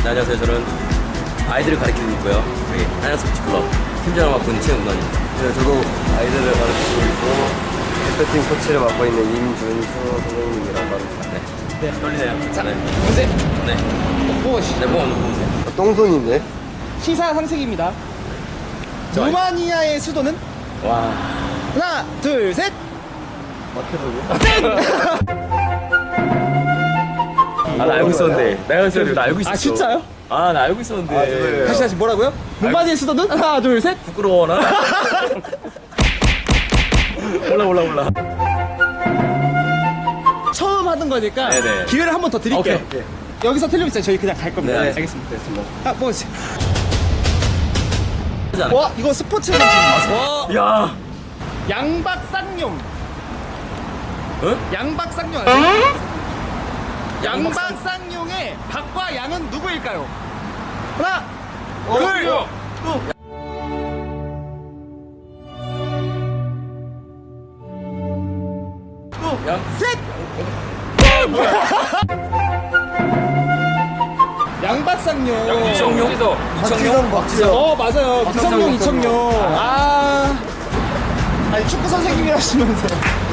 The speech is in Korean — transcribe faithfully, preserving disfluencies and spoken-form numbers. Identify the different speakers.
Speaker 1: 네, 안녕하세요. 저는 아이들을 가르치고 있고요. 여기 한양스포츠클럽 팀장을 맡고 있는 최은관입니다.
Speaker 2: 네, 저도 아이들을 가르치고 있고 대표팀 코치를 맡고 있는 임준수 선생님이라고 합니다.
Speaker 1: 네.
Speaker 3: 네.
Speaker 1: 떨리네요.
Speaker 3: 자,
Speaker 1: 네.
Speaker 3: 문제
Speaker 1: 네.
Speaker 3: 무엇이?
Speaker 1: 네, 뭐, 보세요.
Speaker 2: 어, 똥손인데?
Speaker 3: 시사 상식입니다.
Speaker 1: 저-
Speaker 3: 루마니아의 수도는?
Speaker 1: 와.
Speaker 3: 하나, 둘, 셋.
Speaker 1: 아, 나 알고 있었는데. 내가 있었는데, 나 알고 있었어.
Speaker 3: 아, 진짜요?
Speaker 1: 아, 나 알고 있었는데.
Speaker 2: 아, 저도예요.
Speaker 3: 다시 다시 뭐라고요? 루마니아의 수도는? 하나, 둘, 셋.
Speaker 1: 부끄러워, 나. 몰라, 몰라, 몰라.
Speaker 3: 처음 하는 거니까
Speaker 1: 네네.
Speaker 3: 기회를 한 번 더 드릴게요.
Speaker 1: 오케이, 오케이.
Speaker 3: 여기서 틀리면 진짜 저희 그냥 갈 겁니다.
Speaker 1: 네,
Speaker 3: 알겠습니다. 아, 뭐지?
Speaker 1: 하지 않을까?
Speaker 3: 와, 이거 스포츠 선수입니다.
Speaker 1: 와. 야.
Speaker 3: 양박쌍용.
Speaker 1: 어?
Speaker 3: 양박쌍용 아세요? 양박쌍용의 박과 양은 누구일까요? 하나, 둘,
Speaker 1: 야.
Speaker 3: 셋. 양박쌍용.
Speaker 1: 이청용?
Speaker 2: 박지성, 박지성.
Speaker 3: 어, 맞아요.
Speaker 1: 박상용,
Speaker 3: 이청용, 이청용. 아, 아니 축구 선생님이라시면서.